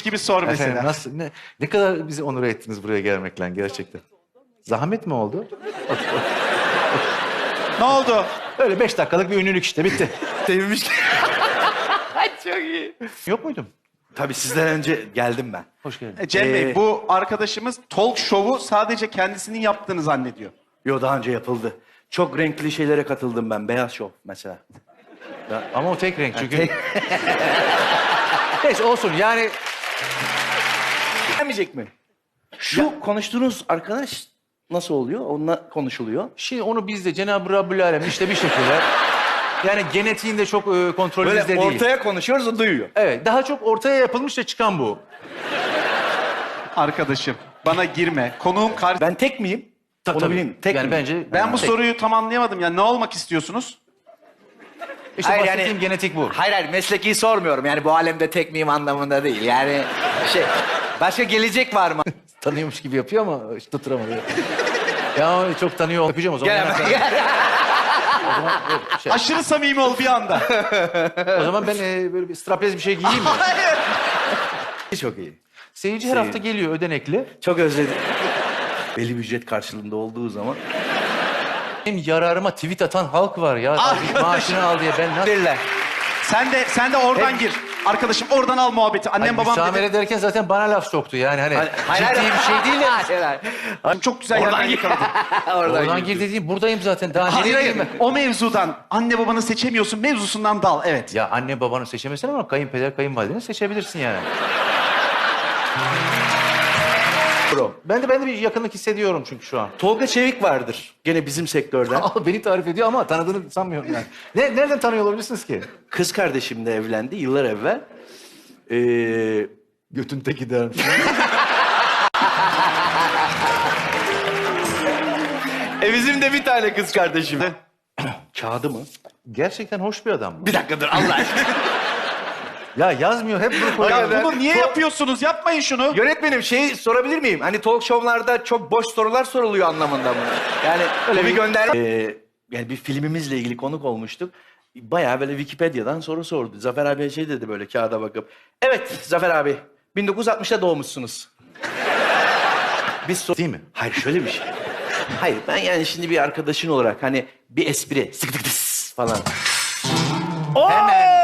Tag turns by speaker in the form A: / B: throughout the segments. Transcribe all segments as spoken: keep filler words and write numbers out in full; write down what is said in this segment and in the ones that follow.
A: gibi sor mesela.
B: Efendim, nasıl, ne, ne kadar bizi onur ettiniz buraya gelmekle gerçekten. Zahmet mi oldu?
A: Ne oldu?
B: Öyle beş dakikalık bir ünlülük işte, bitti.
C: Sevmiş. Çok iyi.
B: Yok muydum?
C: Tabii sizden önce geldim ben.
B: Hoş geldin.
A: E, Cem Bey,
C: Ee,
A: bu arkadaşımız talk show'u sadece kendisinin yaptığını zannediyor.
C: Yo, daha önce yapıldı. Çok renkli şeylere katıldım ben. Beyaz şov mesela.
B: Ama o tek renk çünkü. Neyse olsun yani.
C: Gelmeyecek mi? Şu konuştuğunuz arkadaş nasıl oluyor? Onunla konuşuluyor.
B: Şimdi onu biz de Cenab-ı Rabbül Alem işte bir şekilde. Yani genetiğinde çok e, kontrol
C: Böyle
B: bizde değil.
C: ortaya konuşuyoruz, o duyuyor.
B: Evet, daha çok ortaya yapılmış da çıkan bu.
A: Arkadaşım, bana girme. Konuğum karşı... Ben,
C: Ben tek miyim?
B: Ta-
C: Onu
B: tabii.
C: bileyim. Tek
B: yani
C: miyim?
B: bence
A: ben bu
B: tek.
A: soruyu tam anlayamadım. Yani ne olmak istiyorsunuz?
B: İşte
D: Hayır,
B: bahsettiğim
D: yani-
B: genetik bu.
D: Hayır hayır mesleki sormuyorum. Yani bu alemde tek miyim anlamında değil. Yani şey başka gelecek var mı?
B: Tanıyormuş gibi yapıyor ama hiç tutturamadı. Ya çok tanıyor. Öpeceğim o zaman.
D: Gel hemen, gel.
B: O zaman, yok, şey.
A: Aşırı samimi ol bir anda.
B: O zaman ben e, böyle bir strapez bir şey giyeyim mi?
C: Çok iyi.
B: Seyirci her hafta geliyor ödenekli.
C: Çok özledim. Belli bir ücret karşılığında olduğu zaman.
B: Benim yararıma tweet atan halk var ya. Maaşını al diye ben nasıl...
C: Verirler.
A: Sen de sen de oradan gir. Arkadaşım oradan al muhabbeti. Annem
B: Hayır,
A: babam
B: müsamere
A: dedi.
B: derken zaten bana laf soktu yani hani
C: Hayır,
B: ciddi
C: hayır.
B: bir şey değil de.
D: Hayır, hayır.
A: Çok güzel
C: Oradan
A: yerden
C: gir.
A: yakaladın.
B: Oradan gir dediğim buradayım zaten. Daha
A: Hayır
B: nereye
A: hayır.
B: gireyim ben?
A: O mevzudan anne babanı seçemiyorsun mevzusundan dal. Evet.
B: Ya anne babanı seçemezsin ama kayınpeder kayınvalideni seçebilirsin yani. Ben de ben de bir yakınlık hissediyorum çünkü şu an.
C: Tolga Çevik vardır. Gene bizim sektörden.
B: Al beni tarif ediyor ama tanıdığını sanmıyorum yani. Ne, nereden tanıyor olabilirsiniz ki?
C: Kız kardeşimle evlendi yıllar evvel. Ee,
B: Götün teki derim.
C: e bizim de bir tane kız kardeşim. Kağıdı mı?
B: Gerçekten hoş bir adam.
C: Bir dakika dur Allah aşkına.
B: Ya yazmıyor hep bunu koyuyor.
A: Ya bunu niye yapıyorsunuz? Yapmayın şunu.
C: Yönetmenim şeyi sorabilir miyim? Hani talk show'larda çok boş sorular soruluyor anlamında mı? Yani öyle bir gönder. Ee, yani bir filmimizle ilgili konuk olmuştuk. Bayağı böyle Wikipedia'dan soru sordu. Zafer abi şey dedi böyle kağıda bakıp. Evet Zafer abi bin dokuz yüz altmışta doğmuşsunuz. Biz sor-
B: Değil mi?
C: Hayır şöyle bir şey. Hayır ben yani şimdi bir arkadaşın olarak hani bir espri sık tık tıs falan. Hemen.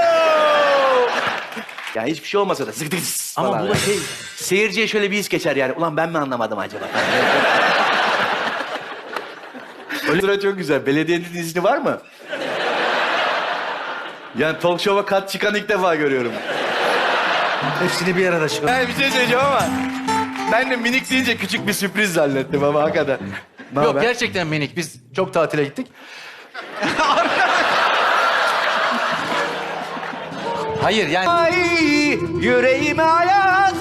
C: Yani hiçbir şey olmasa da sık tık tıs
B: Ama
C: falan.
B: bu da şey...
C: Seyirciye şöyle bir his geçer yani. Ulan ben mi anlamadım acaba? Öyle sıra çok güzel. Belediyenin izni var mı? Yani talk show'a kat çıkan ilk defa görüyorum.
B: Hepsini bir arada çıkar.
C: Yani bir şey söyleyeceğim ama ben de minik deyince küçük bir sürpriz zannettim ama hakikaten. Ne
B: Yok
C: haber?
B: gerçekten minik. Biz çok tatile gittik. Hayır yani...
C: Ay yüreğime hayat.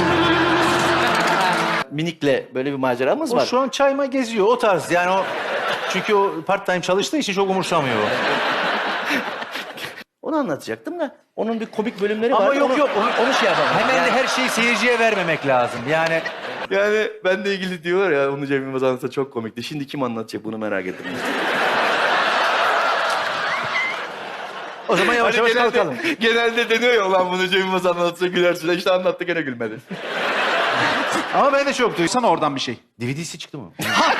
C: Minikle böyle bir maceramız
B: O
C: var.
B: şu an çayma geziyor o tarz yani o... Çünkü o part time çalıştığı için çok umursamıyor o.
C: Onu anlatacaktım da onun bir komik bölümleri var.
B: Ama yok
C: onu,
B: yok.
C: Onu, onu şey yapalım.
B: Hemen
C: yani,
B: de her şeyi seyirciye vermemek lazım. Yani
C: yani benle ilgili diyorlar ya onu Cem Yılmaz anlatsa çok komikti. Şimdi kim anlatacak bunu merak ettim.
B: o zaman yavaş yavaş kalkalım.
C: genelde deniyor ya ulan bunu Cem Yılmaz anlatsa gülersin. İşte anlattı gene gülmedi.
B: Ama ben de çok duydum.
A: Duysana oradan bir şey.
B: D V D'si çıktı mı?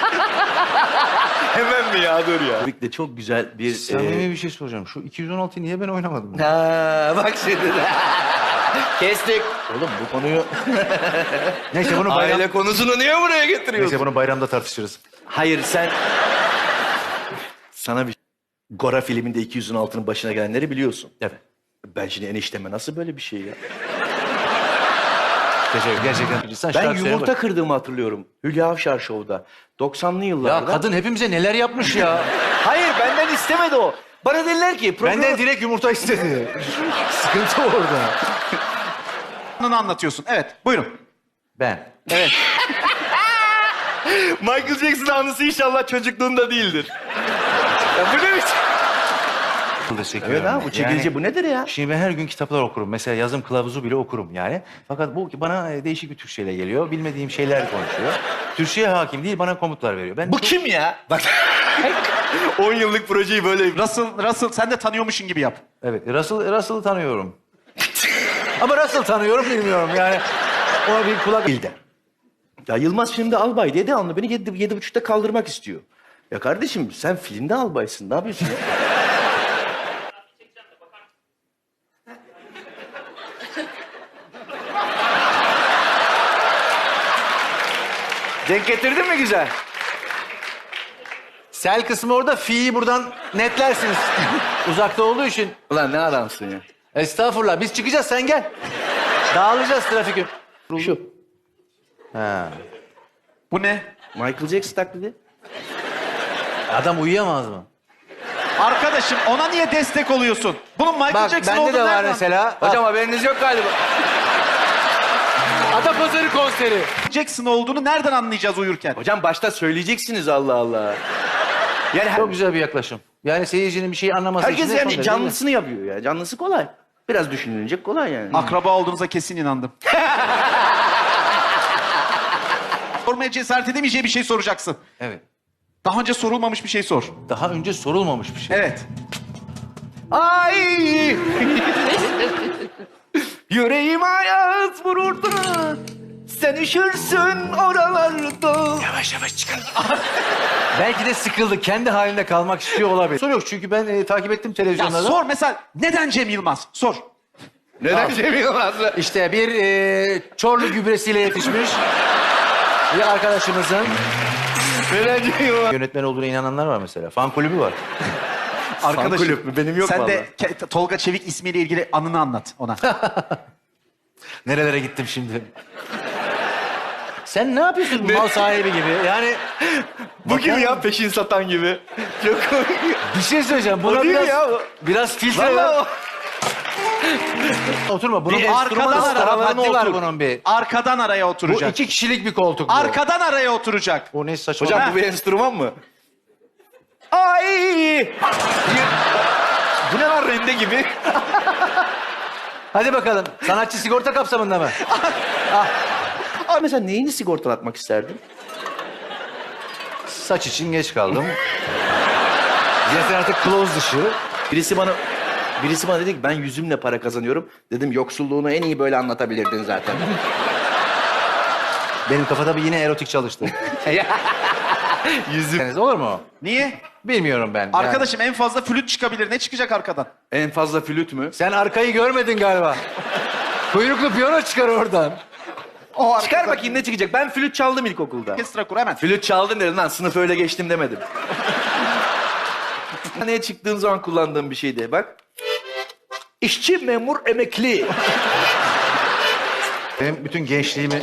C: Hemen mi ya dur ya. Tabii de çok güzel bir...
B: Samimi
C: e,
B: bir şey soracağım. Şu iki yüz on altıyı niye ben oynamadım?
C: Ha, bak şimdi.
D: Kestik.
C: Oğlum bu konuyu...
B: Neyse bunu bayram...
C: Aile konusunu niye buraya getiriyorsun?
B: Neyse bunu bayramda tartışırız.
C: Hayır sen... Sana bir... Gora filminde iki yüz on altının başına gelenleri biliyorsun.
B: Evet.
C: Ben şimdi enişteme nasıl böyle bir şey ya?
B: Teşekkür gerçekten. Sen
C: Ben
B: şarkı söyle
C: yumurta
B: bak.
C: kırdığımı hatırlıyorum. Hülya Avşar Show'da. doksanlı yıllarda.
B: Ya kadın hepimize neler yapmış ya.
C: Hayır benden istemedi o. Bana dediler ki... Program...
B: Benden direkt yumurta istedi. Sıkıntı orada.
A: Bunu anlatıyorsun. Evet, buyurun.
B: Ben.
A: Evet.
C: Michael Jackson anısı inşallah çocukluğunda değildir. Ya bu ne biçim? Evet ha bu çekilce bu nedir ya?
B: Şimdi ben her gün kitaplar okurum. Mesela yazım kılavuzu bile okurum yani. Fakat bu bana e, değişik bir Türkçeyle geliyor. Bilmediğim şeyler konuşuyor. Türkçeye hakim değil, bana komutlar veriyor. Ben
C: Bu kim ya? Bak. on yıllık projeyi böyle...
A: Russell, Russell sen de tanıyormuşsun gibi yap.
B: Evet, Russell, Russell'ı tanıyorum. Ama nasıl tanıyorum bilmiyorum yani. Ona bir kulak bildi.
C: Ya Yılmaz filmde albay diye devamlı beni yedi, yedi buçukta kaldırmak istiyor. Ya kardeşim sen filmde albaysın. Ne yapıyorsun ya? Denk getirdin mi güzel?
B: Sel kısmı orada, fi'yi buradan netlersiniz. Uzakta olduğu için.
C: Ulan ne adamsın ya.
B: Estağfurullah, biz çıkacağız, sen gel. Dağılacağız trafik.
C: Şu.
B: Ha.
A: Bu ne?
C: Michael Jackson taklidi.
B: Adam uyuyamaz mı?
A: Arkadaşım ona niye destek oluyorsun? Bunun Michael
B: Bak
A: Jackson
B: bende de
A: olduğunu
B: var
A: nereden-
B: mesela.
C: Hocam haberiniz yok galiba.
B: Atapazarı konseri.
A: Jackson olduğunu nereden anlayacağız uyurken?
C: Hocam başta söyleyeceksiniz Allah Allah. Yani her-
B: Çok güzel bir yaklaşım. Yani seyircinin bir şey anlaması
C: herkes
B: için de son
C: yani
B: derece
C: canlısını yapıyor ya. Canlısı kolay. Biraz düşünülecek kolay yani.
A: Akraba olduğunuza kesin inandım. Sormaya cesaret edemeyeceği bir şey soracaksın.
B: değil. Evet.
A: Daha önce sorulmamış bir şey sor.
B: Daha önce sorulmamış bir şey.
A: Evet.
C: Ay! Yüreğim hayat vururdu. Sen üşürsün oralarda.
B: Yavaş yavaş çıkalım. Belki de sıkıldı. Kendi halinde kalmak istiyor olabilir. Soru yok çünkü ben e, takip ettim
A: Ya
B: televizyonda.
A: sor mesela neden Cem Yılmaz? Sor.
C: Neden Cem Yılmaz'la?
B: İşte bir e, Çorlu gübresiyle yetişmiş bir arkadaşımızın
C: Neden Cem Yılmaz?
B: yönetmen olduğuna inananlar var mesela. Fan kulübü var.
A: Arkadaşım.
C: kulüp mü? Benim yok
A: Sen
C: vallahi.
A: de Ke- Tolga Çevik ismiyle ilgili anını anlat ona.
B: Nerelere gittim şimdi? Sen ne yapıyorsun mal sahibi gibi? Yani
C: Bu gibi ya peşin satan gibi. Çok komik.
B: bir şey söyleyeceğim. Buna
C: O değil mi
B: biraz,
C: ya o?
B: biraz filtre ver.
C: Vallahi o.
B: Oturma. Bunun
A: Bir
B: bir
A: arkadan
B: arkadan
A: ara,
B: haddi var
A: otur.
B: bunun bir.
A: Arkadan araya
B: Bu
A: oturacak.
B: iki kişilik bir koltuk bu.
A: Arkadan araya oturacak.
B: O ne saçma.
C: Hocam
A: Ha.
C: bu bir enstrüman mı? Ay! Bu ne lan rende gibi?
B: Hadi bakalım. Sanatçı sigorta kapsamında mı?
C: Abi mesela neyini sigortalatmak isterdin?
B: Saç için geç kaldım. Zaten artık close dışı.
C: Birisi bana birisi bana dedi ki ben yüzümle para kazanıyorum. Dedim yoksulluğunu en iyi böyle anlatabilirdin zaten.
B: Benim kafada bir yine erotik çalıştı.
C: Yüzüm.
B: Olur mu?
A: Niye?
B: Bilmiyorum ben.
A: Arkadaşım en fazla flüt çıkabilir. Ne çıkacak arkadan?
C: En fazla flüt mü?
B: Yani. Sen arkayı görmedin galiba. Kuyruklu piyano çıkar oradan.
A: O
C: Çıkar bakayım ne çıkacak. Ben flüt çaldım ilkokulda.
A: Orkestra kur hemen.
C: Flüt çaldın dedim lan sınıf öyle geçtim demedim. Sahneye çıktığım zaman kullandığım bir şeydi. Bak. İşçi, memur, emekli.
B: Benim bütün gençliğimi...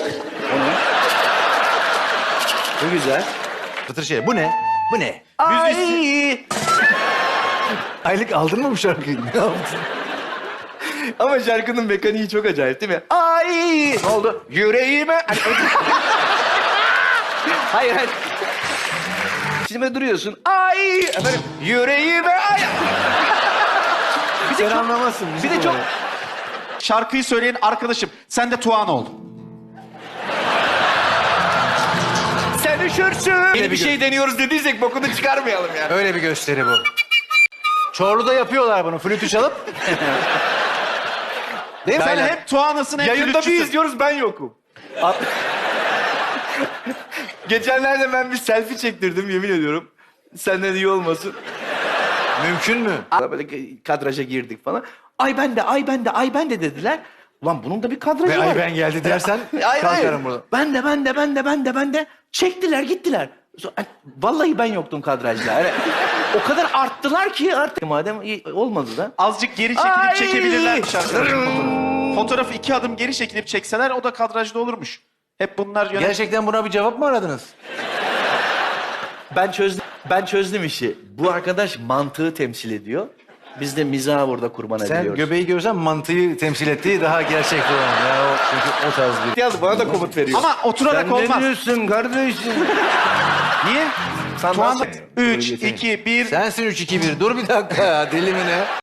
C: Bu güzel.
B: Fıtır şey. Bu ne? Bu ne?
C: Ay!
B: Aylık aldın mı bu şarkıyı? Ne yaptın?
C: Ama şarkının mekaniği çok acayip değil mi? Ay! Ne oldu? Yüreğime... hayır, hayır. Şimdi böyle duruyorsun. Ay! Efendim, yüreğime... Ay! Bir de
B: Sen
C: çok,
B: anlamazsın.
C: bir de çok...
A: Şarkıyı söyleyen arkadaşım. Sen de Tuğan ol.
C: Sen üşürsün. Yeni bir
B: bir
C: şey deniyoruz dediysek bokunu çıkarmayalım yani.
B: Öyle bir gösteri bu. Çorlu'da yapıyorlar bunu. Flütü çalıp. Değil mi?
A: Sen
B: Aynen.
A: hem Tuğan'ısın hem
C: Yayında bir
A: flütçüsün.
C: izliyoruz ben yokum. A- Geçenlerde ben bir selfie çektirdim yemin ediyorum. Senden iyi olmasın.
B: Mümkün mü?
C: Böyle kadraja girdik falan. Ay ben de, ay ben de, ay ben de dediler. Ulan bunun da bir kadrajı
B: Ve
C: var.
B: ay ben geldi dersen
C: Ay,
B: kalkarım
C: ay.
B: burada.
C: Ben de, ben de, ben de, ben de, ben de. Çektiler, gittiler. So- ay, Vallahi ben yoktum kadrajda. Yani o kadar arttılar ki artık. Madem iyi olmadı da.
A: Azıcık geri çekilip
C: Ay!
A: çekebilirlermiş arkadaşım fotoğrafı. Fotoğrafı iki adım geri çekilip çekseler o da kadrajda olurmuş. Hep bunlar yönet...
B: Gerçekten buna bir cevap mı aradınız?
C: Ben çözdüm, ben çözdüm işi. Bu arkadaş mantığı temsil ediyor. Biz de mizahı burada kurban
B: Sen
C: ediyoruz.
B: göbeği görsen mantıyı temsil ettiği daha gerçekçi olan. Ya o, çünkü o tarz bir...
C: Yaz bana da komut veriyor.
A: Ama oturarak
C: Sen
A: olmaz.
C: ne diyorsun kardeşim?
A: Niye?
C: Sen
A: Tuğan
C: nasıl-
A: üç, iki, bir...
B: Sensin üç iki bir. Dur bir dakika ya. Deli mi ne?